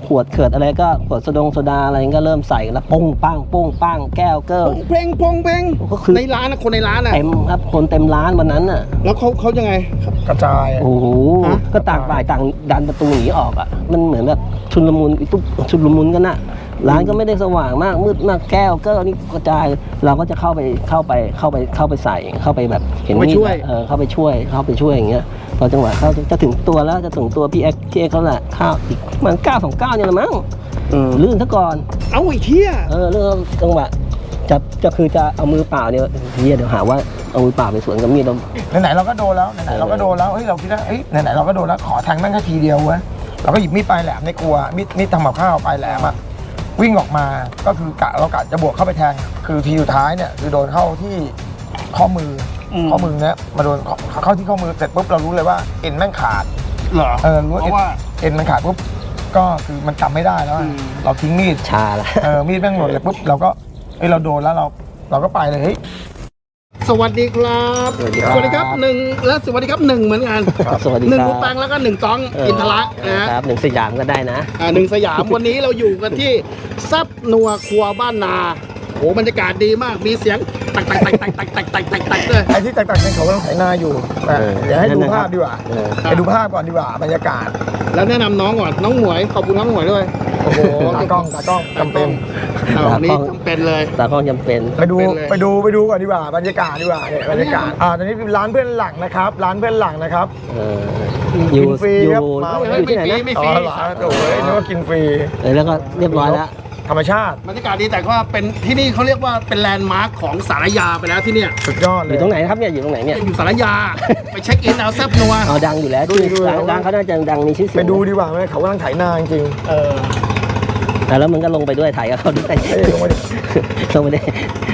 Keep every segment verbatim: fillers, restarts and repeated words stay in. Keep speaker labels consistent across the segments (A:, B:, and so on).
A: ขวดเขิดอะไรก็ขวดโซดงโซดาอะไรก็เริ่มใส่แล้วปุ้งปังปุ้งปังแก้วเกิล
B: เพลงพงเพลงในร้านนะคนในร้านอ่ะ
A: เต็มครับคนเต็มร้านวันนั้นอ่ะ
B: แล้วเขาเขายังไง
C: กระจาย
A: โอ้โหก็ต่างฝ่ายต่างดันประตูหนีออกอ่ะมันเหมือนแบบชุลมุนตุ๊บชุลมุนกันน่ะร้านก็ไม่ได้สว่างมากมืดมากแก้วเกิลนี่กระจายเราก็จะเข้าไปเข้าไปเข้าไปเข้าไปใส่เข้าไปแบบเห็นมีดเออเข้าไปช่วยเข้าไปช่วยอย่างเงี้ยพอจังหวะเขาจะถึงตัวแล้วจะถึงตัวพี่เอ็กพี่เอ็กเขาแหละข้าวอีกมันเก้าสองเก้าเนี่ยละมั้งลื่นซะก่อน
B: เอาอีกเที่ย
A: เออเรื่องจังหวะจะจะคือจะเอามือเปล่าเนี่ยเฮียเดี๋ยวหาว่าเอามือเปล่าไปสวนกับมีดเรา
C: ไหนๆเราก็โดนแล้วไหนๆเราก็โดนแล้วเฮ้ยเราคิดว่าเฮ้ยไหนๆเราก็โดนแล้วขอแทงนั่งแค่ทีเดียวเว้ยเราก็หยิบมีดปลายแหลมในครัวมีดมีดทำกับข้าวปลายแหลมอะวิ่งออกมาก็คือกะเรากะจะบวกเข้าไปแทงคือทีสุดท้ายเนี่ยคือโดนเข้าที่ข้อมือข้อมือเนี้ยมาโดนเข้าที่ข้อมือเสร็จปุ๊บเรารู้เลยว่าเอ็นแม่งขาด
B: เหรอ
C: เออรู้ว่าเอ็นมันขาดปุ๊บก็คือมันจำไม่ได้แล้วเราทิ้งมีด
A: ชาละ
C: เออมีดแม่งหล่นเลยปุ๊บเราก็เอ้ยเราโดนแล้วเราเราก็ไปเลยเฮ้ย
B: สวัสดีครับสวัสดีครับหนึ่งและสวัสดีครับหนึ่งเหมือนกัน
A: สวัสดี
B: หนึ่งรูปังแล้วก็หนึ่งต้องอินทระ
A: นะครับหนึ่งสยามก็ได้นะ
B: อ่าหนึ่งสยามวันนี้เราอยู่กันที่ซับนัวครัวบ้านนาโอ้บรรยากาศดีมากมีเสียงตักตักตักตักตักตักตักตักตักเลย
C: ไอ้ที่ตักตักเป็นเขากำลังไถนาอยู่เดี๋ยวให้ดูภาพดีกว่าให้ดูภาพก่อนดีกว่าบรรยากาศ
B: แล้วแนะนำน้องก่อนน้องหมวยขอบคุณน้องหมวยด้วย
C: โอ้โหตากล้องตากล้องจำเป็น
B: นี่จำเป็นเลย
A: ตากล้องจำเป็น
C: ไปดูไปดูไปดูก่อนดีกว่าบรรยากาศดีกว่าเนี่ยบรรยากาศอ่าตอนนี้ร้านเพื่อนหลังนะครับร้านเพื่อนหลังนะครับ
A: อยู่
C: ฟรีครับ
A: อยู่ที่ไหนนะ
C: ไม่ฟรีโอ้ยนึกว่ากินฟรี
A: แล้วก็เรียบร้อยแล้ว
C: ธรรมชาติ
B: บรรยากาศดีแต่ก็เป็นที่นี่เขาเรียกว่าเป็นแลนด์มาร์คของสารยาไปแล้วที่เนี่ย
C: สุดยอดเลย
A: อยู่ตรงไหนครับเนี่ยอยู่ตรงไหนเนี่ย
B: อยู่สารยาไปเช็คอินเอาแซ่บนัว
A: อ๋อดังอยู่แล้วชื่อร้านเขาน่าจะดังมีชื่อเสียง
C: ไปดูดีกว่าไหมเขากำลังถ่ายนาจริง
B: เออ
A: แล้วมึงก็ลงไปด้วยถ่ายกับเขาด้วย
C: ลงไปดิ
A: ลงไปดิ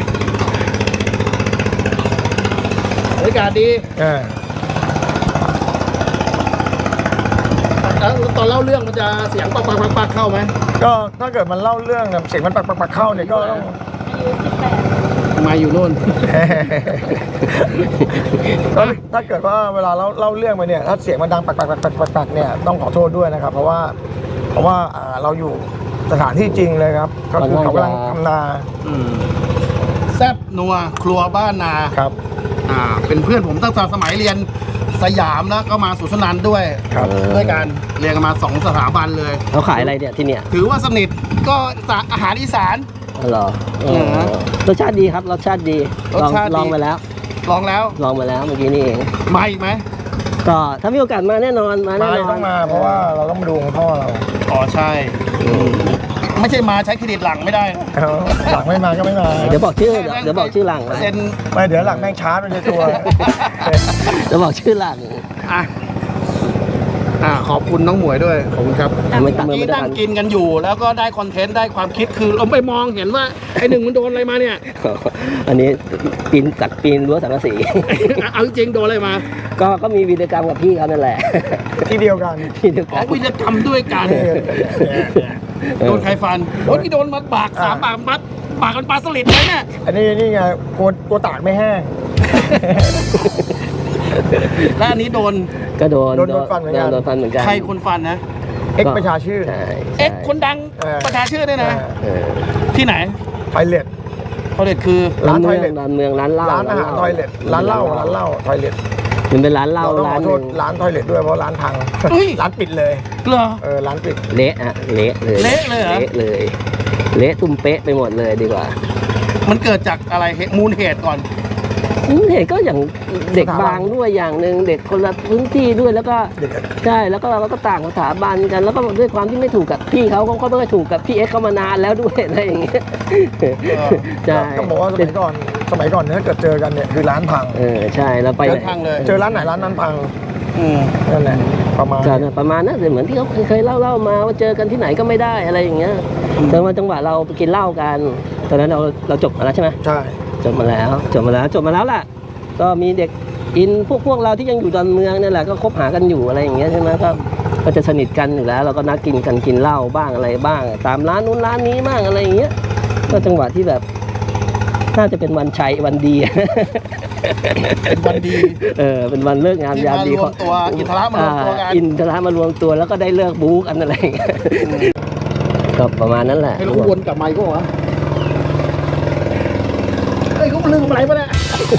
B: บรรยากาศดีแล้วตอนเล่าเรื่องมันจะเสียงปักปักปักปักเข้าไหม
C: ก็ถ้าเกิดมันเล่าเรื่องเสียงมันปักปักปักเข้าเนี่ยก็ต้อง
B: มาอยู่โน่น
C: ก็ถ้าเกิดว่าเวลาเราเล่าเรื่องไปเนี่ยถ้าเสียงมันดังปักปักปักปักปักปักเนี่ยต้องขอโทษด้วยนะครับเพราะว่าเพราะว่าเราอยู่สถานที่จริงเลยครับก็คือเขากำลังทำนา
B: แซ่บนัวครัวบ้านนา
C: ครับ
B: อ่าเป็นเพื่อนผมตั้งแต่สมัยเรียนสยามแล้วก็มาสุสนันด้วยด้วยกันเรียนกันมาสองสถาบันเลย
A: เขาขายอะไรเนี่ยที่เนี่ย
B: ถือว่าสนิทก็อาหารอีสาน
A: เหรอรสชาติดีครับรสชาติดีลองลองไปแล้ว
B: ลองแล้ว
A: ลองไปแล้วเมื่อกี้นี่เอง
B: มาอีกไหม
A: ก็ถ้ามีโอกาสมาแน่นอนมาแน่นอน
C: ต้องมาเพราะว่าเราต้องมาดูพ่อเรา
B: อ๋อใช่ไม่ใช่มาใช้เครดิตหลังไม่ได้
C: หลังไม่มาก็ไม่มา
A: เดี๋ยวบอกชื่อเดี๋ยวบอกชื่อหลัง
B: เซ็น
C: ไม่เดี๋ยวหลังแม่งชาร์จในตัว
A: เดี๋ยวบอกชื่อหลัง
B: อ่ะอ่าขอบคุณน้องหมวยด้วยขอบคุณครับที่นั่งกินกันอยู่แล้วก็ได้คอนเทนต์ได้ความคิดคือเราไปมองเห็นว่าไอ้หนึ่งมันโดนอะไรมาเนี่ย
A: อันนี้ปีนจากปีนรั้วสังกะสี
B: เอาจริงโดนอะไรมา
A: ก็ก็มีวีรกรรมกับพี่เขานั่นแหละ
C: ที่เดียวกัน
A: ที่เดียวกัน
B: วีรกรรมด้วยกันโดนใครฟันโดนที่โดนมัดปากสามปากมัดปากกันปลาสลิดเลยเนี่ย
C: อันนี้นี่ไงกลัวกลัวตากไม่แห้ง
B: แล้วอันนี้โดน
A: ก็โดน
C: โดนโดนฟันเหมือนกัน
A: โดนฟันเหมือนกัน
B: ใครคนฟันนะ
C: เอ็กประชาชื่อ
B: เอ็กคนดังประชาชื่อเนี่ยนะที่ไหน
C: ทอยเล็ต
B: ทอยเล็ตคือ
A: ร้านทอยเล็ตร้านเมืองร้านเหล้า
C: ร้านอาหารทอยเล็ตร้านเหล้าร้านเหล้าทอยเล็ต
A: มันเป็นร้านเหล้า
C: ร้านโทษร้านทอยเล็ตด้วยเพราะร้านพังร้านปิดเลย
B: เหรอ
C: เออร้านปิด
A: เละอะเละเลย
B: เละเลยเหรอ
A: เละเลยเละตุ้มเป๊ะไปหมดเลยดีกว่า
B: มันเกิดจากอะไรมูลเหตุก่อน
A: เหตุก็อย่างเด็กบางด้วยอย่างหนึ่งเด็กคนละพื้นที่ด้วยแล้วก็ใช่แล้วก็เราก็ต่างสถาบันกันแล้วก็ด้วยความที่ไม่ถูกกับพี่เขาเขาก็ไม่ถูกกับพี่เอ็กเขามานานแล้วด้วยอะไรอย่างเงี้ย
C: ใช่ต้องบอกว่าสมัยก่อนสมัยก่อนเนี่ยเกิดเจอกันเนี่ยคือร้านพัง
A: เออใช่แล้วไป
C: เจอร้านไหนร้านนั้นพังนั่นแหละประมาณ
A: ประมาณนั้นเหมือนที่เขาเคยเล่าเล่ามาว่าเจอกันที่ไหนก็ไม่ได้อะไรอย่างเงี้ยแต่ว่าจังหวะเราไปกินเหล้ากันตอนนั้นเราเราจบมาแล้วใช่ไหม
C: ใช่
A: จบมาแล้วจบมาแล้วจบมาแล้วแหละก็มีเด็กอินพวกพวกเราที่ยังอยู่ดอนเมืองนี่แหละก็คบหากันอยู่อะไรอย่างเงี้ยใช่ไหมก็ก็จะสนิทกันอยู่แล้วเราก็นัดกินกันกินเหล้าบ้างอะไรบ้างตามร้านนู้นร้านนี้บ้างอะไรอย่างเงี้ยก็จังหวะที่แบบน่าจะเป็นวันชัยวันดี
B: เป็นวันดี
A: เออเป็นวันเลิกงานยามดี
B: ของตัวอินทรามารวมตัวกัน
A: อินทรามารวมตัวแล้วก็ได้เลิกบู๊กันอะไรอย่างเงี้ยก็ประมาณนั้นแหละ
B: ให้เราวนกลับมาอีกก็วะเฮ้ยเขาลืมอะไรปะเนี่ย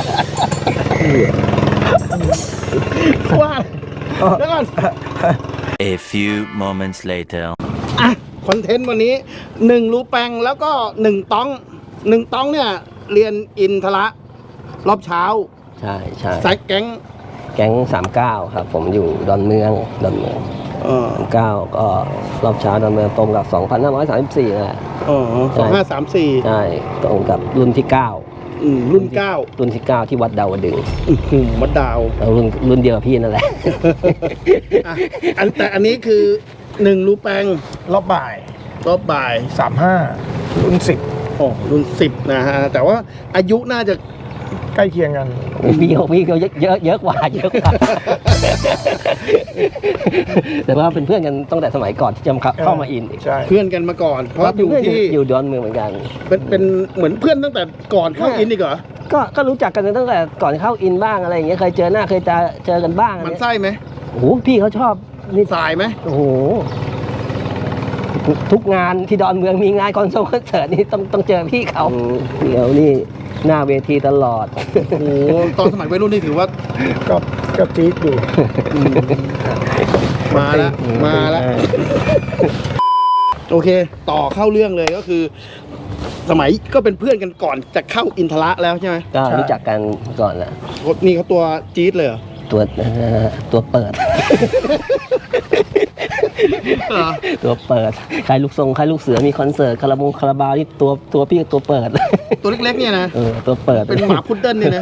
B: ว่าแล้วก่อน
D: A few moments later
B: อ่ะคอนเทนต์วันนี้หนึ่งรูแปงแล้วก็หนึ่งต้องหนึ่งต้องเนี่ยเรียนอินทระรอบเช้า
A: ใช่ใช่
B: สายแก๊ง
A: แก๊งสามเก้าครับผมอยู่ดอนเมืองดอนเมือง
B: เออ
A: สามเก้าก็รอบเช้าดอนเมืองตรงกับสองพันห้าร้อยสามสิบสี่นั่นแหละ
B: เออสองห้าสามสี่
A: ใช่ตรงกับรุ่นที่เก้า
B: อืมรุ่นเก้า
A: รุ่นที่เก้าที่วัดดาวดึงส์
B: อื้อหือมัดดาว
A: แล้วรุ่นรุ่นเดียวกับพี่นั่นแหละ
B: อ่ะอันแต่อันนี้คือหนึ่งรูแปง
C: รอบบ่าย
B: รอบบ่าย
C: สามห้ารุ่นสิบ
B: โอ้รุ่นสิบนะฮะแต่ว่าอายุน่าจะ
C: ใกล้เคียงกัน
A: พี่เขาพี่เขาเยอะเยอะเยอะกว่าเยอะกว่า แต่ว่าเป็นเพื่อนกันตั้งแต่สมัยก่อนที่จะเข้ามาอินอีก
C: ใช่
B: เพื่อนกันมาก่อน เพราะอยู่
A: เพื่อน
B: ที่
A: อยู่ดอนเมืองเหมือนกัน
B: เป็นเป็นเหมือนเพื่อนตั้งแต่ก่อนเข้าอินอีกเหรอ
A: ก็ก็รู้จักกันตั้งแต่ก่อนเข้าอินบ้างอะไรอย่างเงี้ยเคยเจอหน้าเคยเจอเจอกันบ้าง
B: มันไส้ไหม
A: โอ้โหพี่เขาชอบนี่
B: สายไหม
A: โอ้โหทุกงานที่ดอนเมืองมีงานคอนเสิร์ตคอนเสิร์ตนี่ต้องต้องเจอพี่เขาเดี๋ยวนี่หน้าเวทีตลอด
B: โอ้โหตอนสมัยวัยรุ่นนี่ถือว่า
C: ก็ก็จี๊ดอยู่
B: มาแล้วมาแล้วโอเค ต่อเข้าเรื่องเลยก็คือ สมัยก็เป็นเพื่อนกันก่อนจะเข้าอินทระแล้วใช่ไหม
A: ก็รู้จักกันก่อนแหละ
B: นี่เขาตัวจี๊ดเลยเหรอ
A: ตัวเอ่อตัวเปิด
B: เหรอ
A: ตัวเปิดใครลูกทรงใครลูกเสือมีคอนเสิร์ตคาราบงคาราบาวนี่ตัวตัวพี่ตัวเปิด
B: ตัวเล็กๆเนี่ยนะ
A: เออตัวเปิด
B: เป็นหมาพุดเดิ้ลเนี่ยนะ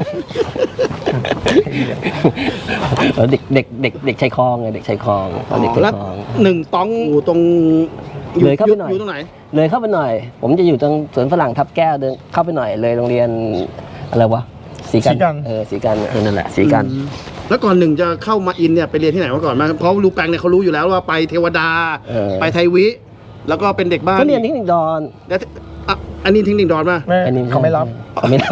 A: เออเด็กเด็กเด็กเด็กชายคลองไงเด็กชายคลองตอนเด็กชาย
B: แล้ว
A: คลอง
B: หนึ่งต้องอยู่ตรง
A: เลยเข้าไปหน่อย
B: อยู่ตรงไหน
A: เลยเข้าไปหน่อย ผมจะอยู่ตรงสวนฝรั่งทับแก้วเดินเข้าไปหน่อยเลยโรงเรียนอะไรวะสีกันเออสีกันเออนั่นแหละสีกัน
B: อืมแล้วก่อนหนึ่งจะเข้ามาอินเนี่ยไปเรียนที่ไหนมาก่อนมาเพราะรูแปงเนี่ยเขารู้อยู่แล้วว่าไปเทวดา
A: เออ
B: ไปไทยวิ แล้วก็เป็นเด็กบ้าน
A: ก็เรียนเทคนิคดอน
B: แล้วอ่ะอันนี้เทคนิคดอนป่ะ
C: ไม่
A: อันนี้
C: เขาไม่รับ
A: เขาไม่รับ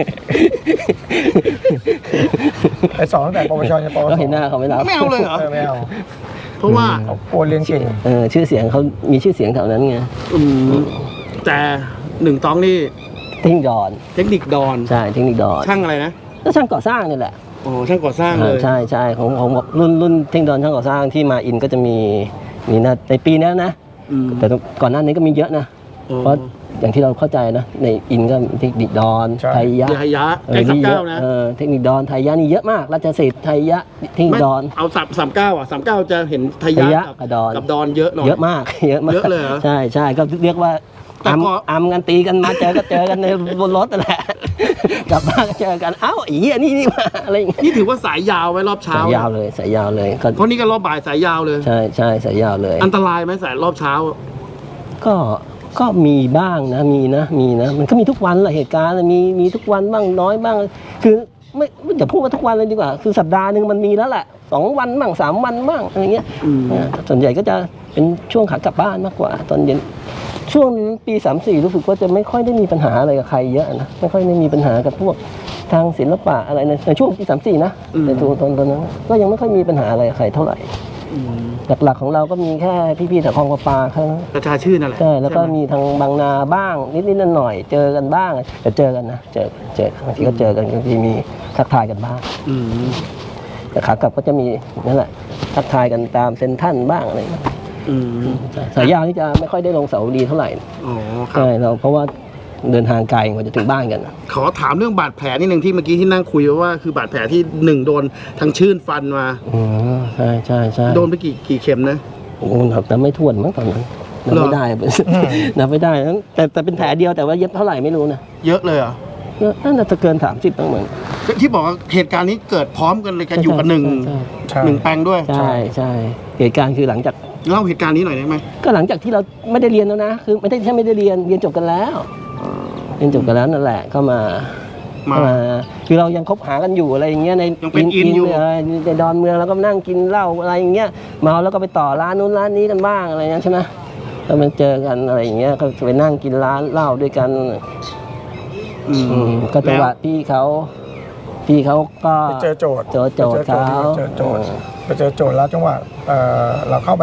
C: ไปสอนตั้งแต่ปวชยันปวส
A: ก็เห็นหน้าเขาไม่รับ
B: ไม่เอาเลยเหรอ
C: เออไม่เอา
B: เพราะว่า
C: เขากลัวเรียนเก่ง
A: เออชื่อเสียงเขามีชื่อเสียงแถวนั้นไง
B: อืมแต่หนึ่งต้องนี่
A: เทคนิคดอน
B: เทคนิคดอน
A: ใช่เทคนิคดอน
B: ช่างอะไรนะ
A: ก็ช่างก่อสร้างนี่แหละ
B: โอ้ช่างก่อสร้างเลย
A: อ่าใช่ใช่ของของรุ่นรุ่นเทคนิคดอนช่างก่อสร้างที่มาอินก็จะมีมีนะในปีนี้นะ
B: อืม
A: แต่ก่อนหน้านี้ก็มีเยอะนะ
B: อ๋อ
A: เพราะอย่างที่เราเข้าใจนะในอินก็มีเทคนิคดอน
C: ใช่
A: ไทยยะ
B: ยายะ
A: เอ
B: ใกล้
A: อ
B: สาม
A: นี่เย
B: เก้า
A: อะ
B: นะ
A: เออเทคนิคดอนไทยยะนี่เยอะมากราชสิทธิ์ไทยยะเทคนิค
B: ไม่
A: ดอน
B: เอาสามสามเก้าอ่ะสามเก้าจะเห็นไทย
A: ไทย
B: ยะ
A: ยะ
B: กับ
A: กับดอน
B: กับดอนเยอะหน่อย
A: เยอะมาก เยอะมาก
B: เยอะเลยเหรอ
A: ใช่ใช่ก็เรียกว่า
B: แต่
A: อัม
B: พอ
A: อัมกันตีกันมาเจอก็เจอกันในบนรถนั่นแหละ กลับบ้านก็เจอกันเอ้าไอ้เหี้ยนี่นี่มาอะไรอย่างเงี้ย
B: นี่ถือว่าสายยาวไว้รอบเช้า
A: สายยาวเลยสายยาวเลยก็
B: เพราะนี่ก็รอบบ่ายสายยาวเลย
A: ใช่ใช่สายยาวเลย
B: อันตรายไหมสายรอบเช้า
A: ก็ก็มีบ้างนะมีนะมีนะมันก็มีทุกวันแหละเหตุการณ์มีมีทุกวันบ้างน้อยบ้าง คือไม่ไม่อย่าพูดว่าทุกวันเลยดีกว่า คือสัปดาห์หนึ่งมันมีแล้วแหละสองวันบ้างสามวันบ้างอะไรเงี้ย
B: อืม
A: อ่าส่วนใหญ่ก็จะเป็นช่วงขากลับบ้านมากกว่า ตอนเย็นช่วงปีสามสี่รู้สึกว่าจะไม่ค่อยได้มีปัญหาอะไรกับใครเยอะนะไม่ค่อยได้มีปัญหากับพวกทางศิลปะอะไรในในช่วงปีสามสี่นะในตัวตอนตอนนั้นก็ยังไม่ค่อยมีปัญหาอะไรกับใครเท่าไหร่
B: อืม
A: หลักๆของเราก็มีแค่พี่ๆแถวคลองประปาแค่นั้น
B: ประชาชื่นนั่นแหละ
A: ใช่แล้วก็
B: ไห
A: มีทางบางนาบ้างนิดๆหน่อยๆเจอกันบ้างแต่เจอกันนะเจอเจอบางทีก็เจอกันบางทีมีทักทายกันบ้าง
B: อืม
A: แต่ขากลับก็จะมีนั่นแหละทักทายกันตามเซ็นทรัลบ้างอะไรอย่างเงี้ย
B: อืม
A: ใช่สายยาวนี่จะไม่ค่อยได้ลงเสาดีเท่าไหร่
B: อ๋อครั
A: ใช่
B: บ
A: เราเพราะว่าเดินทางไกลกว่าจะถึงบ้านกัน
B: ขอถามเรื่องบาดแผลนิดนึงที่เมื่อกี้ที่นั่งคุยว่าคือบาดแผลที่หนึ่งโดนทางชื่นฟันมา
A: อ๋อใช่ใช่ใช่
B: โดนไปกี่กี่เข็มนะ
A: โอ้โหแต่ไม่ทวนมั้งตอนนั้นนับ
B: เหรอ
A: ไม่ได้ นับไม่ได้นะแต่แต่เป็นแผลเดียวแต่ว่าเย็บเท่าไหร่ไม่รู้นะ
B: เยอะเลยเหรอ
A: น่าจะเกินสามสิบตั้งเหมือน
B: ที่บอกว่าเหตุการณ์นี้เกิดพร้อมกันเลยกันอยู่กับหนึ่ง
A: ใช่
C: ใช่
B: หนึ่งแปลงด้วย
A: ใช่ใช่เหตุการณ์คือหลังจาก
B: เล่าเหตุการณ์นี้หน่อยได้ไหม
A: ก็หลังจากที่เราไม่ได้เรียนแล้วนะคือไม่ได้แค่ไม่ได้เรียนเรียนจบกันแล้วเรียนจบกันแล้วนั่นแหละก็มา
B: มา
A: ก็มาคือเรายังคบหากันอยู่อะไรอย่างเงี้ยใน
B: ยังเป็นอินอยู่
A: เในดอนเมืองแล้วก็นั่งกินเหล้าอะไรอย่างเงี้ยเมาแล้วก็ไปต่อร้านนู้นร้านนี้กันบ้างอะไรเงี้ยใช่ไหมก็มาเจอกันอะไรอย่างเงี้ยก็ไปนั่งกินร้านเหล้าด้วยกัน
B: อืม
A: อืมก็จังหวะพี่เขาพี่เขาก็
C: ไปเจอโจทย์
A: เจอโจทย์เขา
C: ไปเจอโจทย์ไปเจอโจทย์ไปเจอโจทย์แล้วจังหวะเอ่อเราเข้าไปเนี่ย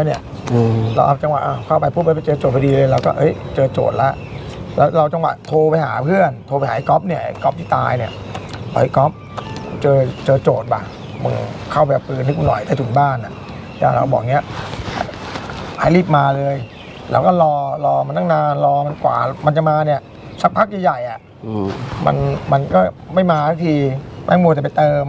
A: อืม
C: เราเอาจังหวะอ่ะเข้าไปปุ๊บไปเจอโจทย์พอดีเลยเราก็เอ้ยเจอโจทย์ละแล้วเราจังหวะโทรไปหาเพื่อนโทรไปหาไอ้ก๊อฟเนี่ยไอ้ก๊อฟที่ตายเนี่ยไอ้ก๊อฟเจอเจอโจทย์ป่ะมึงเข้าไปเอาปืนให้กูหน่อยใต้ถุนบ้านอ่ะแล้วเราบอกเงี้ยให้รีบมาเลยเราก็รอรอมันตั้งนานรอมันกว่ามันจะมาเนี่ยสักพักใหญ่ๆอ่ะ
A: อืม
C: มันมันก็ไม่มาสักทีแม่งมัวแต่ไปเติม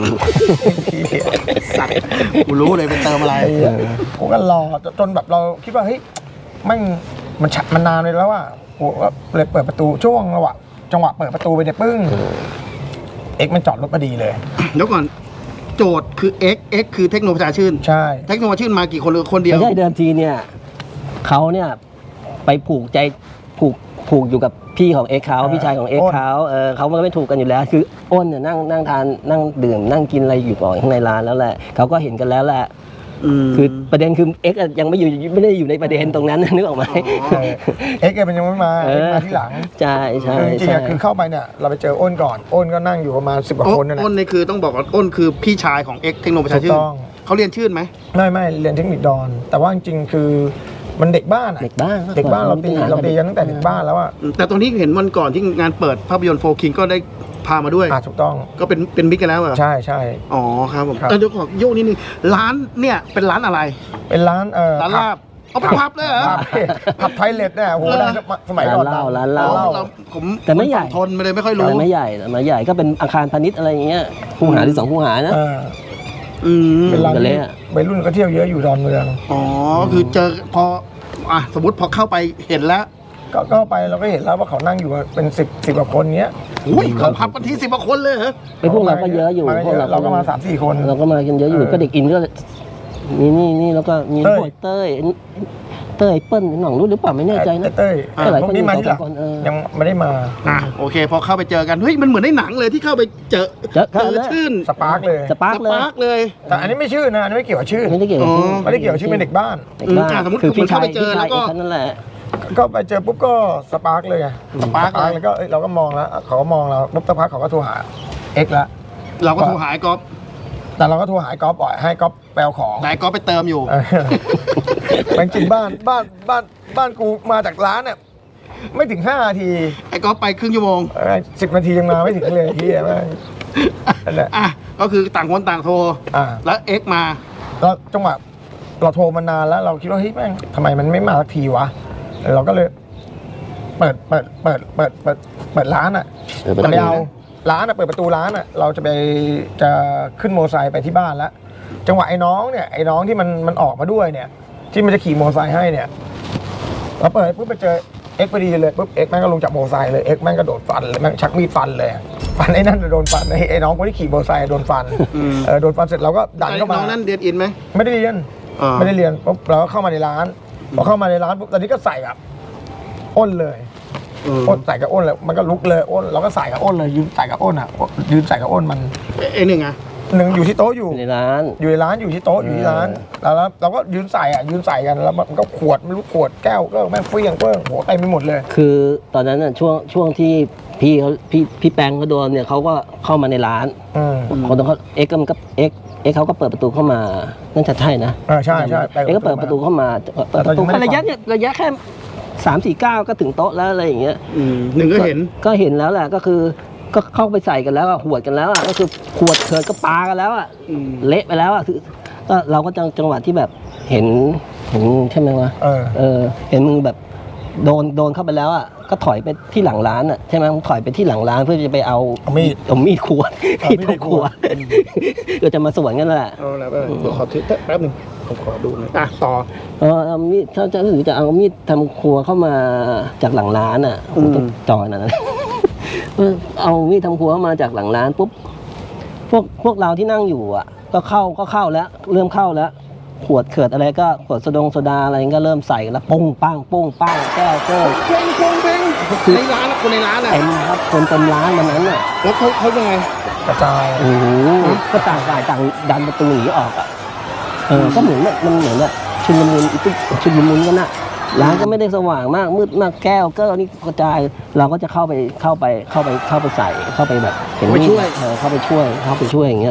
B: สัตว์กูรู้เลยเป็นเติมอะไร
C: ไอ้เหี้ยกูก็รอจนแบบเราคิดว่าเฮ้ยแม่งมันชัดมันนานเลยแล้วว่ากูก็เลยเปิดประตูช่วงระหว่างจังหวะเปิดประตูไปเนี่ยปึ้งเอ็กซ์มันจอดรถพอดีเลย
B: เดี๋ยวก่อนโจทย์คือ X X คือเทคโนประชาชื่น
C: ใช่
B: เทคโนประชาชื่นมากี่คนหรือคนเดียว
A: ไม่ใช่เดิมทีเนี่ยเขาเนี่ยไปผูกใจผูกผูกอยู่กับพี่ของเอ็กซ์เขาพี่ชายของเอ็กซ์เขาเออเขามันก็ไม่ถูกกันอยู่แล้ว คืออ้นเนี่ยนั่งนั่งทานนั่งดื่มนั่งกินอะไรอยู่ก่อนข้างในร้านแล้วแหละเขาก็เห็นกันแล้วแหละ
B: ม
A: คือประเด็นคือเอ็กซ์ยังไม่อยู่ไม่ได้อยู่ในประเด็นตรงนั้นนึกออกไหม
B: อ๋อ
C: เอ็กซ์มันยังไม่มา
A: เอ
C: เอ็ก
A: อ
C: ซ์มาที่หลัง
A: ใช่ใช่
C: คือจริงๆ
A: ใช่
C: อะคือเข้าไปเนี่ยเราไปเจออ้นก่อนอ้นก็นั่งอยู่ประมาณสิบกว่าคนนั่นแหละ
B: อ้นนี่คือต้องบอกว่าอ้นคือพี่ชายของ X เทคโนประชาชื่
C: ถู
B: น
C: กต้อง
B: เขาเรียนชื่นไหม
C: ไม่ไม่เรียนเทคนิคดอน แต่ว่าจริงๆคือมันเด็กบ้านอะ
A: เด็กบ้าน
C: เด็กบ้านเราตีเราตีกันตั้งแต่เด็กบ้านแล้วอะ
B: แต่ตอนนี้เห็นวันก่อนที่งานเปิดภาพยนตร์โฟคิงก็ได้พามาด้วย
C: อ่ะถูกต้อง
B: ก็เป็นเป็นมิตรกันแล้วเหรอ
C: ใช่ใช่
B: อ๋อครับผม
C: ครับ
B: แต่เดี๋ยวขอโยกนิดนึงร้านเนี่ยเป็นร้านอะไร
C: เป็นร้านเอ่อ
B: ร้านลาบเอาเป็นพับเลยเหรอ
C: ผับผับไทยเล็ดเนี่ยโอ้โห
B: เออ
C: ดังสมัยก่อน
A: ร้านเหล้า
C: ดัง
A: ร้านเหล้า
B: เราผม
A: แต่ไม่ใหญ่
B: ผทนไปเลยไม่ค่อย
A: แต่
B: รู้
A: ไม่ใหญ่ไม่ใหญ่ก็เป็นอาคารพาณิชย์อะไรอย่างเงี้ยคูหาหรือสองคูหานะ
C: เออ
B: อืม
C: เป็นร้าน
A: กันเลย
C: ที่
A: อะ
C: วัยรุ่นก็เที่ยวเยอะอยู่ดอนเมือง
B: อ๋อคือเจอพออ่ะสมมติพอเข้าไปเห็นแล้ว
C: ก็ก็ไปเราก็เห็นแล้วว่าเขานั่งอยู่เป็นสิบสิบกว่าคนเนี้ย
B: อุ้ยเขาพับกันทีสิบกว่าคนเลยเหรอ
A: ไอ้พวกเราก็เยอะอยู่
C: มา
A: พวก
C: เยอะเราก็มาสามสี่คน
A: เราก็มากันเยอะอยู่
C: เออ
A: ก็เด็กอินก็มีนี่นี่แล้วก็มี
C: เต้ย
A: พวกเต้ยเต้ยเปิ้ลหน่องรู้หรือเปล่าไม่แน่ใจนะ
C: เต้ย
A: เต้ยหลาย
C: พ
A: ค
C: วน กนี้มาที่หลัง
A: สองสามคนเออ
C: ยังไม่ได้มา
B: อ่ะโอเค พอเข้าไปเจอกันเฮ้ยมันเหมือนในหนังเลยที่เข้าไปเจอ
A: เจอ
B: เจอชื่น
C: สปาร์กเลย
A: สปาร์ก
B: ส
A: เลย
B: ปาร์กเลย
C: แต่อันนี้ไม่ชื่อนะอันนี้ไม่เกี่ยวกับชื่อ
A: ไม่ได้เกี่ยวกับ
B: อ๋อ
A: ชื่อ
C: ไม่ได้เกี่ยวกับชื่อเป็นเด็กบ้าน
A: เด็กบ้าน
B: อืมอ่ะสมมุติ
A: คือพี่
B: เข้า
A: ชาย
B: ไปเจอ
A: พี่ชาย
B: แล้วก็
A: เอกนั่นแหละ
C: ก็ไปเจอปุ๊บก็สปาร์กเลยไง
B: สปาร์กเลย
C: แล้วก็เอ้ยเราก็มองแล้วเขาก็มองเราปุ๊บสักพักเขาก็โทรหาเอ็กซ์ละ
B: เราก็โทรหาไอ้ก๊อฟ
C: แต่เราก็โทรหาไอ้ก๊อฟบ่อยให้ก๊อฟไปเอาของ
B: แต่ไอ้ก๊อฟไปเติมอยู่
C: เออแม่งจริงบ้านบ้านบ้านบ้านกูมาจากร้านเนี่ยไม่ถึงห้านาที
B: ไอ้ก๊อฟไปครึ่งชั่วโมง
C: สิบนาทียังมาไม่ถึงเลยที่แม่งนั่นแหละ
B: อ่ะก็คือต่างคนต่างโทร
C: อ่า
B: แล้วเอ็กซ์มา
C: แล้วจังหวะเราโทรมานานแล้วเราคิดว่าเฮ้ยแม่งทำไมมันไม่มาสักทีวะเราก็เลย เปิดเปิดเปิดเปิดเปิดเปิดร้านอ่ะ
A: เปิดประตู
C: จะไปเอาร้านอ่ะเปิดประตูร้านอ่ะเราจะไปจะขึ้นโมอไซค์ไปที่บ้านแล้วจังหวะไอ้น้องเนี่ยไอ้น้องที่มันมันออกมาด้วยเนี่ย ที่มันจะขี่โมอไซค์ให้เนี่ยเราเปิดปุ๊บไปเจอเอ็กซ์พอดีเลยปุ๊บเอ็กซ์แม่งก็ลงจากโมอไซค์เลยเอ็กซ์แม่งก็โดดฟันเลยแม่งชักมีดฟันเลยฟันไอ้นั่นโดนฟันไอ้ไอ้น้องคนที่ขี่โมอไซค์โดนฟัน
B: อืม
C: เออโดนฟันเสร็จเราก็ดันเข้า
B: น้
C: มา
B: องนั่นเรียนอินไหม
C: ไม่ได้เรียน
B: อ่า
C: ไม่ได้เรียนปุ๊บเราก็เข้ามาในร้านพอเข้ามาในร้านปุ๊บตอนนี้ก็ใส่กับอ้นเลย
B: อืม
C: อ้นใส่กับอ้นเลยมันก็ลุกเลยอ้นเราก็ใส่กับอ้นเลยยืนใส่กับอ้นอ่ะยืนใส่กับอ้นมัน
B: ไอ้หนึ่งอ่ะ
C: หนึ่งอยู่ที่โต๊ะอยู่
A: ในร้าน
C: อยู่ในร้านอยู่ที่โต๊ะอยู่ที่ร้านแล้วแล้วเราก็ยืนใส่อ่ะยืนใส่กันแล้วมันก็ขวดไม่รู้ขวดแก้วก็แม่งเฟี้ยงเฟิ้งโหเต็มไปหมดเลย
A: คือตอนนั้นน่ะช่วงช่วงที่พี่เขาพี่พี่แปงเขาโดนเนี่ยเขาก็เข้ามาในร้าน
C: อืม
A: คนเขาเอ็กซ์ก็มันก็เอ็กซ์เอ็กซ์เขาก็เปิดประตูเข้ามานั่นจะใช่นะ
C: อ่าใช่ใช่
A: เอ็กซ์ก็เปิดประตูเข้ามาเปิดประตู
C: แต่ตอนนี้ไม่ได้
A: ระยะเนี่ยระยะแค่สามสี่เก้าก็ถึงโต๊ะแล้วอะไรอย่างเงี้ย
B: อืมหนึ่งก็เห็น
A: ก็เห็นแล้วแหละก็คือก็เข้าไปใส่กันแล้วอะหวดกันแล้วอะก็คือขวดเถิดก็ปากันแล้วอะ
B: อืม
A: เละไปแล้วอะคือก็เราก็จังจังหวะที่แบบเห็นเห็นใช่ไหมวะ
C: เออ
A: เออเห็นมึงแบบโดนโดนเข้าไปแล้วอ่ะก็ถอยไปที่หลังร้านอ่ะใช่ไหมมึงถอยไปที่หลังร้านเพื่อจะไปเอา
C: เอามีด
A: เอามีดขวด
C: เอามีด
A: มีด
C: ข
A: ข
C: ว
A: ว
C: ด
A: ดก็จะมาสวนกันแหละ
B: เอาแล้วก็เดี๋ยวขอถือแป๊บหนึงผมขอดูหน่อยอ่ะต่อ
A: เออเอามีดถ้าจะหรือจะเอามีดทำครัวเข้ามาจากหลังร้านอ่ะ
B: อืม
A: ต้องจอยนะ เออเอามีดทำครัวเข้ามาจากหลังร้านปุ๊บพวกพวกเราที่นั่งอยู่อ่ะ ก็เข้าก็เข้าแล้วเริ่มเข้าแล้ว ขวดเขิดอะไรก็ขวดโซดงโซดาอะไรก็เริ่มใส่กันแล้วปุ้งปังปุ้งปังแก้วเก้ว
B: เพลงเพลงเพลงในร้านอะคนในร้านอ่ะ
A: เต็มครับคนเต็มร้านวันนั้นอ่ะ
B: แล้วเขาเขายังไง
C: กระจาย
A: โอ้โหก็ต่างฝ่ายต่างดันประตูหนีออกอ่ะเออก็เหมือนแบบมันเหมือนแบบชุลมุนอีตุ๊กชุลมุนกันน่ะร้านก็ไม่ได้สว่างมากมืดมากแก้วเก้วนี่กระจายเราก็จะเข้าไปเข้าไปเข้าไปเข้าไปใส่เข้าไปแบบเห็นมีดเออเข้าไปช่วยเข้าไปช่วยอย่างเงี้ยพอ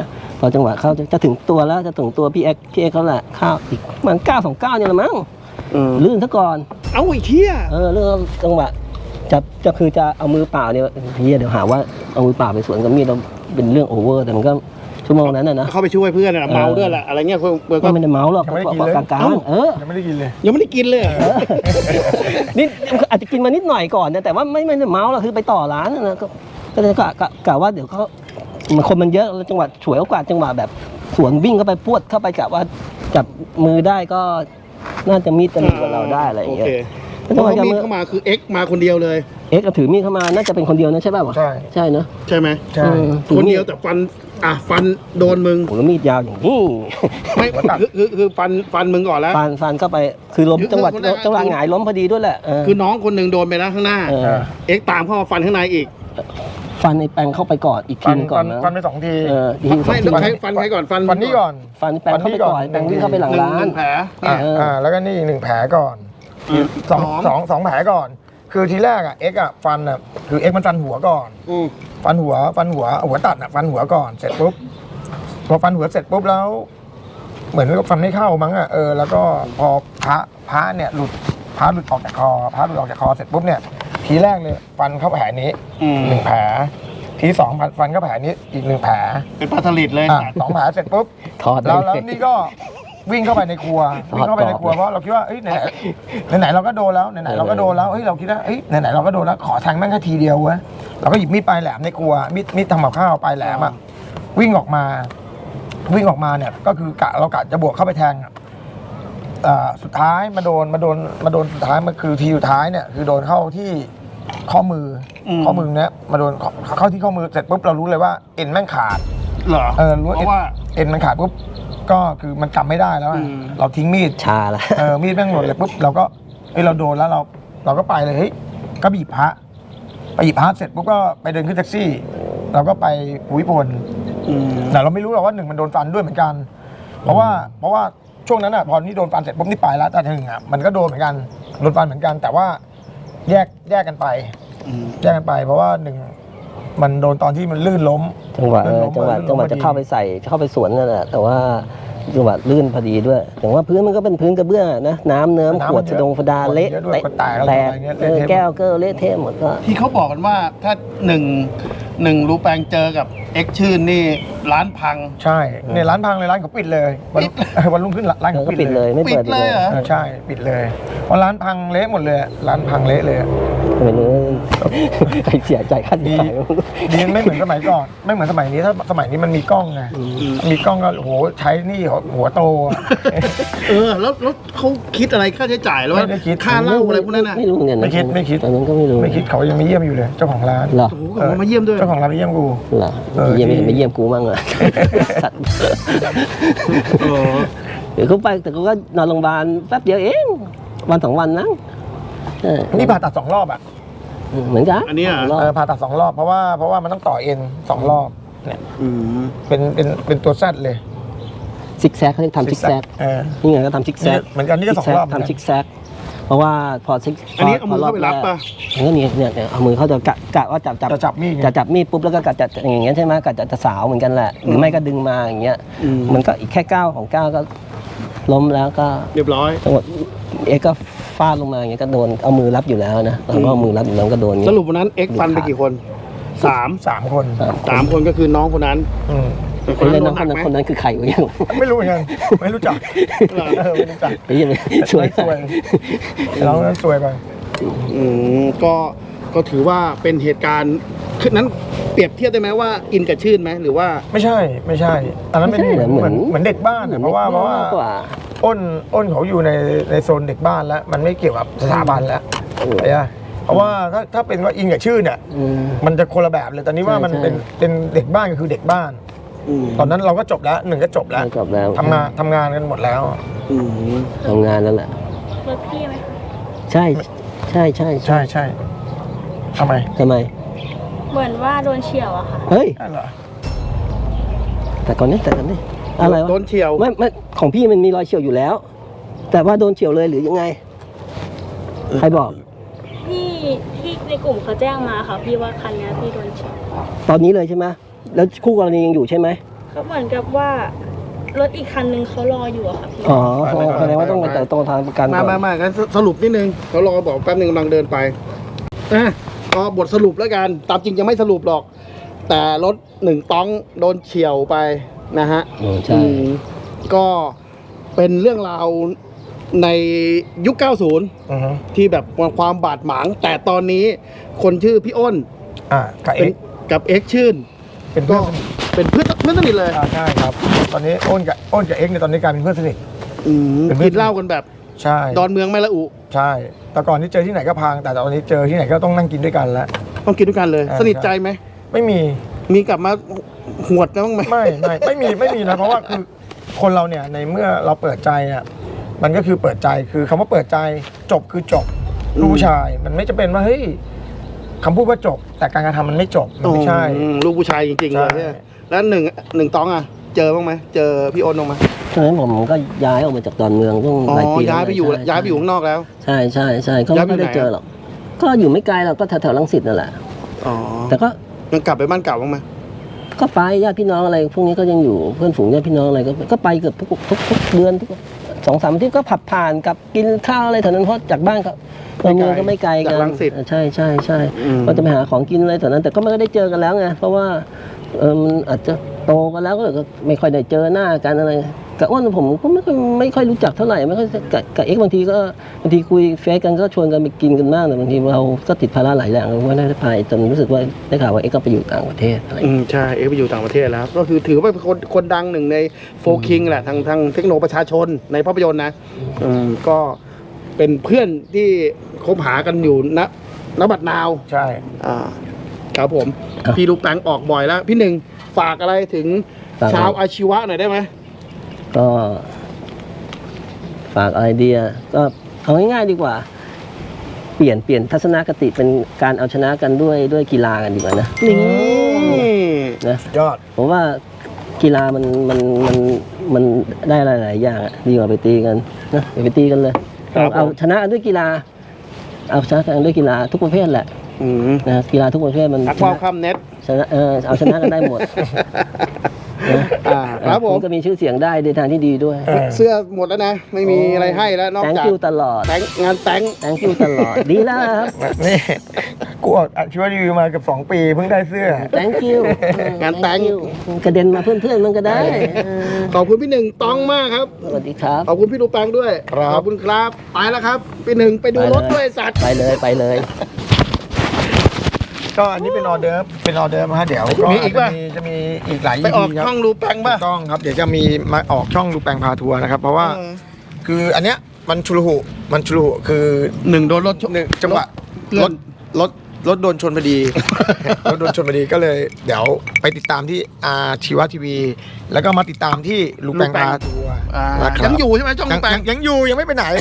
A: อจังหวะเข้าจะจะถึงตัวแล้วจะถึงตัวพี่เอ็กพี่เอ็กเขาแหละเข้าอีกประมันเก้าสองเก้าเนี่ยละมั้งลื่นซะก่อน
B: เอาไอ้เหี้ย
A: เออเรื่องจังหวะจะจะคือจะเอามือเปล่าเนี่ยเฮียเดี๋ยวหาว่าเอามือเปล่าไปสวนกับมีดเราเป็นเรื่องโอเวอร์แต่มันก็ชั่วโมงนั้นน่ะนะ
B: เข้าไปช่วยเพื่อนน่ะเมาด้วยแหละอะไรเงี้ยเพื่อนเพื่อน
A: ก็
B: ก็
A: ไม่ได้เมาหรอก
C: ยังไม่ได้กิน
A: ก็
C: เลย
A: กลางๆเออ
C: ยังไม่ได้กินเลย
B: ยังไม่ได้กินเลยเหรอ
A: นี่อาจจะกินมานิดหน่อยก่อนนะแต่ว่าไม่ไม่ได้เมาหรอกคือไปต่อร้านนะก็ก็เลยกะกะกะว่าเดี๋ยวเขามันคนมันเยอะแล้วจังหวะฉวยโอกาสจังหวะแบบสวนวิ่งเข้าไปพวดเข้าไปกะว่าจับมือได้ก็น่าจะมีดจะมีกว่าเราได้อะไรอย่างเงี้ย
B: โอเค
A: แล้ว
B: เพ
A: จัง
B: ราะ
A: หวะ
B: เขา
A: จะ
B: มี
A: มือ
B: เข้ามาคือเอ็กมาคนเดียวเลย
A: เอ็กซ์ก็ถือมีดเข้ามาน่าจะเป็นคนเดียวนะใช่ป่าววะ
C: ใช่
A: ใช่เนอะ
B: ใช่ไหม
C: ใช่
A: อืมถือ
B: คน
A: มี
B: เดียวแต่ฟันอ่ะฟันโดนมึง
A: โอ้แล้วมีดยาวอย่างนี้
B: ไม่คือคือคือฟันฟันมึงก่อนแล้ว
A: ฟันฟันเข้าไปคือล้ม
B: คือ
A: จังหวะ
B: คือ
A: จังหวะหงายล้มพอดีด้วยแหละเออ
B: คือน้องคนหนึ่งโดนไปแล้วข้างหน้า
A: เออ
B: เอ็กตามเข้ามาฟันข้างในอีก
A: ฟันไอ้แปงเข้าไปก่อนอีกที
C: ฟัน
A: นึงก่
C: ฟั
A: อน
C: น
A: นะ
C: ฟันไปสองที
A: เอออีกทีสอง
B: ไม่
A: ที
B: ต้องใช้ฟันใครก่อนฟัน
C: ฟันนี่ก่อน
A: ฟันแปงเข้าไปก่อนแปงวิ่งเข้าไปหลัง
B: หนึ่ง
A: ร้า
B: ห
A: น
B: นึ่งแผล
C: อ่า
A: เอออ่
C: อ่าแล้วก็นี่อีกหนึ่งแผลก่อน
B: อืม
C: สอง
B: หอม
C: สองสองแผลก่อน คือทีแรกอ่ะเอ็กอ่ะฟันอ่ะคือเอ็กมันฟันหัวก่อน
B: อืม
C: ฟันหัวฟันหัวหัวตัดอ่ะฟันหัวก่อนเสร็จปุ๊บพอฟันหัวเสร็จปุ๊บแล้ว เหมือนกับฟันไม่เข้ามั้งอ่ะเออแล้วก็พอพระพระเนี่ยหลุดพระหลุดออกจากคอพระหลุดออกจากคอเสร็จปุ๊บเนี่ยทีแรกเลยฟันเข้าแผลนี้
B: อืม
C: หนึ่งแผลทีสองฟันฟันเข้าแผลนี้อีกหนึ่งแผล
B: เป็นปลาสลิดเลย
C: อ่ะสองแผลเสร็จปุ๊บ
A: ถอดได้
C: แล้ว
A: เล
C: แล้ว
A: ย
C: นี่ก็วิ่งเข้าไปในครัววิ่งเข้าไปในครัวเพราะเราคิดว่าเอ้ยไหนไหนไหนๆเราก็โดนแล้วไหนไหนๆเราก็โดนแล้วเฮ้ยเราคิดว่าเอ้ยไหนไหนๆเราก็โดนแล้วขอแทงแม่งแค่ทีเดียวเว้ยเราก็หยิบมีดปลายแหลมในครัวมีดมีดทำกับข้าวปลายแหลมอ่ะวิ่งออกมา วิ่งออกมาเนี่ยก็คือกะเรากะจะบวกเข้าไปแทงอ่ะอ่าสุดท้ายมาโดนมาโดนมาโดนสุดท้ายมันคือทีสุดท้ายเนี่ยคือโดนเข้าที่ข้อมืออ
B: ม
C: ข้อมือเนี้ยมาโดนเข้าที่ข้อมือเสร็จปุ๊บเรารู้เลยว่าเอ็นแม่งขาด
B: เหรอ
C: เออรู้
B: เพราะว่า
C: เอ็นมันขาดปุ๊บก็คือมันกำไม่ได้แล้วอะ
B: อืม
C: เราทิ้งมีด
A: ชาละ
C: เออมีดแม่งหล่นเลยปุ๊บเราก็เฮ้ยเราโดนแล้วเรา เราก็ไปเลยเฮ้ยก็บีบพระไปหยิบพระเสร็จปุ๊บก็ไปเดินขึ้นแท็กซี่ เราก็ไปภูมิพล
B: อืม
C: แต่เราไม่รู้หรอกว่าหนึ่งมันโดนฟันด้วยเหมือนกัน เพราะว่าเพราะว่าช่วงนั้นอ่ะพอนี่โดนฟันเสร็จปุ๊บนี่ไปแล้วแต่หนึ่งอ่ะมันก็โดนเหมือนกันโดนฟันเหมือนกัน แต่ว่าแยกแยกกันไป
B: อืม
C: แยกกันไป เพราะว่าหนึ่งมันโดนตอนที่มันลื่นล้ม
A: จังหวะเอ
C: ลื่น
A: อ
C: ล้ม
A: จังหวะ
C: ลื่นล้ม
A: จังหวะ
C: พอดี
A: จะเข้าไปใส่เข้าไปสวนนั่นแหละแต่ว่าจังหวะลื่นพอดีด้วยแต่ว่าพื้นมันก็เป็นพื้นกระเบื้องอะนะน้ำเนิ้ม
C: น้ำ
A: ขวด
C: มันเย
A: สะ
C: อะ
A: ดงฟดาเละ
C: ขวดเยอะด้วย
A: เตะ
C: ขวดแตกอะไร
A: แตก
C: เงี้ย
A: เออ
C: เละเทะ
A: แก้วเกอร์เละเทะหมดก็
B: ที่เขาบอกกันว่าถ้าหนึ่งหนึ่งรูแปงเจอกับเอ็กชื่นนี่ร้านพัง
C: ใช่เนี่ยร้านพังเลยร้านเขาปิดเลยวัน
B: ปิด
C: เออวันรุ่งขึ้นร้าน
A: เออ
C: เขา
A: ก็
C: ปิ
A: ปิ
C: ด
A: ด
C: เล
A: เลย ยไม่เปิด
B: ปิดเลยเหรอ
C: เออใช่ปิดเลยเพราะร้านพังเละหมดเลยร้านพังเละเลย
A: ไม่รู้ใครเสียใจค่าเสีย
C: ดี
A: หาย
C: ดีไม่เหมือนสมัยก่อน ไม่เหมือนสมัยนี้ถ้าสมัยนี้มันมีกล้องไงมีกล้องก็โหใช้นี่หัวโตอะ
B: เออแล้วแล้วเขาคิดอะไรค่าใช้จ่ายหรือว่า
C: ไม่ได้คิด
B: ค่าเหล้าอะไรพวกนั้นน่ะ
A: ไม่รู้เหมือนกันนะ
C: ไม่คิดไม่คิด
A: ตอนนั้นก็ไม่รู้
C: ไม่คิดเขายังไม่เยี่ยมอยู่เลย เจ้าของร้าน
A: เหรอ
B: โอ้โหเขามาเยี่ยมด้วย
C: เจ้าของร้านไปเยี่ยมกู
A: เหรอ
C: เออ
A: เยี่ยมไม่
C: ที่
A: เห็นไม่เยี่ยมกูมั่งอ่ะสัตว์
B: เออ
A: เดี๋ยวเขาไปแต่เขาก็นอนโรงพยาบาลแป๊บเดียวเองวันสองวันนะเออ
C: นี่ผ่าตัดสองรอบอ่ะ
A: เหมือนกัน
B: อันเนี้ย
A: รอบ
C: เออผ่าตัดสองรอบเพราะว่าเพราะว่ามันต้องต่อเอ็นสองรอบเนี่ย
B: อืม
C: เป็นเป็นเป็นตัวแซดเลย
A: ซิกแซกเขาเรียกทำซิกแซก
C: เออ
A: นี่ไงก็ทำซิกแซก
C: เหมือนกันนี่ก็สองรอบเหมือนกัน
A: ทำซิกแซกเพราะว่าพอซิก
B: อันนี้เอามือเข้าไปรับป่ะ
A: อันนี้เนี่ยเนี่ยเนี่ยเอามือเขาจะกะกะว่าจับจับ
C: จะจับมีดไง
A: จะจับมีดปุ๊บแล้วก็กะจะอย่างเงี้ยใช่ไหมกะจะจะสาวเหมือนกันแหละหรือไม่ก็ดึงมาอย่างเงี้ย
B: อืม
A: มันก็อีกแค่ก้าวของก้าวก็ล้มแล้วก็
B: เรียบร้อย
A: จังหวะเอ็กซ์ก็ฟาดลงมาอย่างเงี้ยก็โดนเอามือรับอยู่แล้วนะเราก็เอามือรับอยู่แล้วก็โดนอย่าง
B: ส
A: เงี้ย
B: รุปวันนั้นเอ็กฟันไปกี่คนสาม
C: สามคน
B: สามคนก็คือน้องคนนั้น
C: อืม
B: แต่ค
A: คน น
B: นั้น
A: นั้น
B: โดนห
A: ค
B: นั
A: น
B: ก ไหม
A: นั้นคนนั้นคือใครวะเนี่ย
C: ไม่รู้เหมือนกันไม่รู้จัก
B: เหรอ
C: เออไม่รู้จัก
A: ไอ้เหี้ยังช่วย
C: สวยเรานั้นสวยไป
B: อืมก็ก็ถือว่าเป็นเหตุการณ์คือนั้นเปรียบเทียบได้ไหมว่าอินกับชื่นไหมหรือว่า
C: ไม่ใช่ไม่ใช่อันนั้นเป็นเหมือนเหมือนเหมือนเด็กบ้านอะเพราะว่าเพราะว่า
A: กว่า
C: อ้นอ้นเขาอยู่ในในโซนเด็กบ้านแล้ว มันไม่เกี่ยวกับสถาบันแล้วเข้าใจปะเพราะว่าถ้าถ้าเป็นว่าอินกับชื่อเนี่ย
A: อืม
C: มันจะคนละแบบเลยตอนนี้ว่า
A: ใช่
C: มัน
A: ใช่
C: เป็นเป็นเด็กบ้านก็คือเด็กบ้าน
B: อืม
C: ตอนนั้นเราก็จบแล้วหนึ่งก็จบแล้ว
A: จบแล้ว
C: ทำงานทำงานกันหมดแล้ว
B: อืม
A: ทำงานแล้วแหละ
E: รถพี่ไหมคะ
A: ใช่ใช่ใช่ใช่
C: ใช่ใช่ทำไม
A: ทำไม
E: เหมือนว่าโดนเฉียวอะค่ะ
A: เฮ้ย
C: ใช่เหรอ
A: แต่ก่อนนี้แต่ก่อนนี้อะไรวะ
B: โดนเฉียว
A: ไม่ไม่ของพี่มันมีรอยเฉียวอยู่แล้ว แต่ว่าโดนเฉียวเลยหรือยังไงใครบอก
E: พี่ที่ในกลุ่มเขาแจ้งมาค่ะ พี่ว่าคันเนี้ยพี่โดนเฉียว
A: ตอนนี้เลยใช่ไหมแล้วคู่กรณียังอยู่ใช่ไหม
E: เขาเหมือนกับว่ารถอีกคันนึงเขารออยู่อะค่ะพี่
A: อ๋อแสดงว่าต้องไปแต่ตรงทางประกันก่
B: มา
A: อน
B: มามางั้นสรุปนิดนึงเขารอบอกแป๊บนึงกำลังเดินไปอ่ะก็บทสรุปแล้วกันตามจริงยังไม่สรุปหรอก แต่รถหนึ่งต้องโดนเฉี่ยวไปนะฮะ
A: อืมใช่
B: อืมก็เป็นเรื่องราวในยุค เก้าสิบ
C: อือฮึ
B: ที่แบบความบาดหมาง แต่ตอนนี้คนชื่อพี่อ้น
C: อ่ากับเอ็
B: เป็น
C: กซ์
B: กับเอ็กซ์ชื่น
C: เป็นเพื่
B: ก็
C: อนสนิท
B: เป็นเพื่อนเพื่อนสนิทเลย
C: อ่าใช่ครับ ตอนนี้อ้นกับอ้นกับเอ็กซ์เนี่ยตอนนี้กลายเป็นเพื่อนสนิท
B: อืม
C: เป็นเพื่อน
B: กินเหล้ากันแบบ
C: ใช่
B: ดอนเมืองไม่ละอุ
C: ใช่ แต่ก่อนที่เจอที่ไหนก็พัง แต่ตอนนี้เจอที่ไหนก็ต้องนั่งกินด้วยกันแล้ว
B: ต้องกินด้วยกันเลย
C: อ่า
B: สนิทใจไหม
C: ไม่มี
B: มีกลับมาหวดกันบ้างไหม
C: ไม่ไม่ไม่มีไม่มีนะเพราะว่าคือคนเราเนี่ยในเมื่อเราเปิดใจอ่ะมันก็คือเปิดใจคือคำว่าเปิดใจจบคือจบลูกผู้ชาย มันไม่จะเป็นว่าเฮ้ยคำพูดว่าจบ แต่การกระทำมันไม่จบมันไม่ใช่
B: อืมลูกผู้ชายจริงๆเลย
C: ใช่
B: เนี่ยแล้วหนึ่งหนึ่งต้องอ่ะ เจอบ้างไหมเจอพี่อ้นบ้างไหม
A: ตอนนั้นผมก็ย้ายออกมาจากดอนเมืองต้อง
B: อ๋อ
A: หลายปี
B: ย้ายไปอยู่
A: ใช่
B: ย้ายไปอยู่ข้างนอกแล้ว
A: ใช่ใช่ใช่ก็
B: ย้ายไป
A: ไม่ได้
B: ไหน
A: เจอหรอกก็อยู่ไม่ไกลหรอกก็แถวแถวๆรังสิตนั่นแหละ
B: อ๋อ
A: แต่ก็
B: ยังกลับไปบ้านเก่าบ้างไหม
A: ก็ไปญาติพี่น้องอะไรพวกนี้ก็ยังอยู่เพื่อนฝูงญาติพี่น้องอะไรก็ก็ไปเกือบทุกทุกทุกเดือนทุกสองสามอาทิตย์ก็ผับผ่านกับกินข้าวอะไรแถวนั้นเพราะจากบ้านก็ดอนเมืองก็ไม่ไกลกัน
B: จากรังสิต
A: ใช่ใช่ใช่
B: อืม
A: ก็จะไปหาของกินอะไรแถวนั้น แต่ก็ไม่ได้เจอกันแล้วไงเพราะว่าเออมันอาจจะโตกันแล้วก็เลยก็ไม่ค่อยได้เจอหน้ากันอะไรกับอ้วนผมก็ไม่ค่อยไม่ค่อยรู้จักเท่าไหร่ไม่ค่อยกับกับเอ็กซ์บางทีก็บางทีคุยเฟซกันก็ชวนกันไปกินกันบ้างแต่บางทีเราก็ติดภาระหลายอย่างเราไม่ได้ไปจนรู้สึกว่าได้ข่าวว่าเอ็กซ์ก็ไปอยู่ต่างประเทศอะไร
B: อืมใช่ เอ็กซ์ไปอยู่ต่างประเทศแล้ว ก็คือถือว่าเป็นคนคนดังหนึ่งในโฟคิงแหละทางทางเทคโนประชาชนในภาพยนตร์นะอืมก็เป็นเพื่อนที่คบหากันอยู่ณณบัดนาว
C: ใช่
B: อ่าครับผม พี่ลูกแปงออกบ่อยแล้ว พี่หนึ่งฝากอะไรถึงชาวอาชีวะหน่อยได้ไหม
A: ก็ฝากอะไรดีอะก็เอาง่ายๆดีกว่า เปลี่ยนเปลี่ยนทัศนคติเป็นการเอาชนะกันด้วยด้วยกีฬากันดีกว่านะนี่นะ
C: ยอด
A: ผมว่ากีฬามันมันมันมันได้หลายๆอย่างอะดีกว่าไปตีกันนะอย่าไปตีกันเลย
B: ครับ
A: เอาชนะกันด้วยกีฬา เอาชนะกันด้วยกีฬาทุกประเภทแหละ
B: อืม
A: นะกีฬาทุกประเภทมัน
B: ทัก
A: ช
B: ว่าว
A: นะ
B: ข้ามเน็ต
A: ชนะเออเอาชนะกันได้หมดนะ
B: อ่าครับผม
A: ณก็มีชื่อเสียงได้ในทางที่ดีด้วย
C: เออ
B: เสื้อหมดแล้วนะ ไม่มีอะไรให้แล้วนอก
A: แตง
B: จาก
A: คิวตลอด
B: แตงงานแตง
A: แตงคิวตลอด ดีแล้วครับ
C: นี่กูออกอาชีวะรีวิวมาเกือบสองปีเพิ่งได้เสื้อ
A: thank you
B: งานแต่ง
A: thank you กระเด็นมาเพื่อนๆมันก็ได้เออ
B: ขอบคุณพี่หนึ่งต้องมากครับ
A: สวัสดีครับ
B: ขอบคุณพี่ลูกแปงด้วย
C: ครับ
B: ขอบคุณครับไปแล้วครับพี่หนึ่งไปดูรถด้วยสัตว์
A: ไปเลยไปเลย
C: ก็อันนี้เป็นออเดิร์ฟเป็นออเดิร์ฟนะฮะเดี๋ยวก็
B: มีอีกป่ะ
C: จะมีจะมีอีกหลาย
B: ไปออก
C: EP ครับ
B: ช่องลูกแปงป่ะ
C: ถูกต้องครับเดี๋ยวจะมีมาออกช่องลูแปงพาทัวร์นะครับ เพราะว่า
B: เออ
C: คืออันเนี้ยมันชุลหุมันชุลหุคือ
B: หนึ่งโดนรถชน
C: หนึ่งจังหวะ
B: เพื่
C: ร
B: อน
C: ถรถรถโดนชนพอดี รถโดนชนพอดีก็เลย เดี๋ยวไปติดตามที่อาชีวะทีวี แล้วก็มาติดตามที่ลูแปงพาทัวร์
B: อ่า
C: นะครับ
B: ยังอยู่ใช่ไหมช่อง
C: ยั
B: ลู
C: ง
B: กแป
C: ยัง งยังอยู่ยังไม่ไปไหน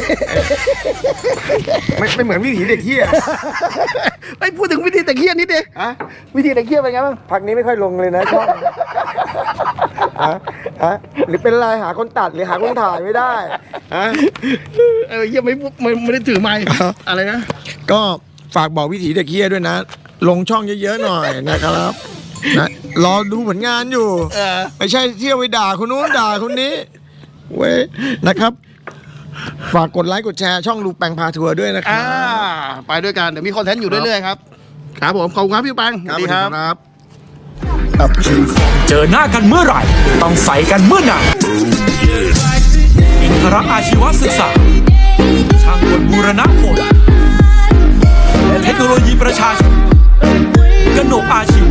C: ไม่ไม่เหมือนวิถีเด็กเที่ย
B: ไอ้ยพูดถึงวิธีแต่เคียนนิดเดียว
C: อะ
B: วิธีแต่เคียนเป็นไงบ้าง
C: พักนี้ไม่ค่อยลงเลยนะช่องฮะฮะหรือเป็นไรหาคนตัดหรือหาคนถ่ายไม่ได้ฮะ
B: เออเฮียไม่ไม่ไม่ได้ถือไมค์อะไรนะ
C: ก็ฝากบอกวิถีเด็กเฮียด้วยนะ ลงช่องเยอะๆหน่อยนะครับนะรอดูผลงานอยู่
B: เออ
C: ไม่ใช่เที่ยวไปด่าคนนู้นด่าคนนี้เว้ยนะครับ ฝากกดไลค์กดแชร์ช่องลูกแปงพาทัวร์ด้วยนะครั
B: อ่า
C: บ
B: ไปด้วยกันเดี๋ยวมีคอนเทนต์อยู่เรื่อยๆครับครับผมขอบคุณครับพี่แปงสวัสดีครับ
C: ครับ
F: เจอหน้ากันเมื่อไหร่ ต้องใส่กันเมื่อนั้นอินทรอาชีวศึกษา ช่างกลบูรณผลและเทคโนโลยีประชาชนกนกอาชี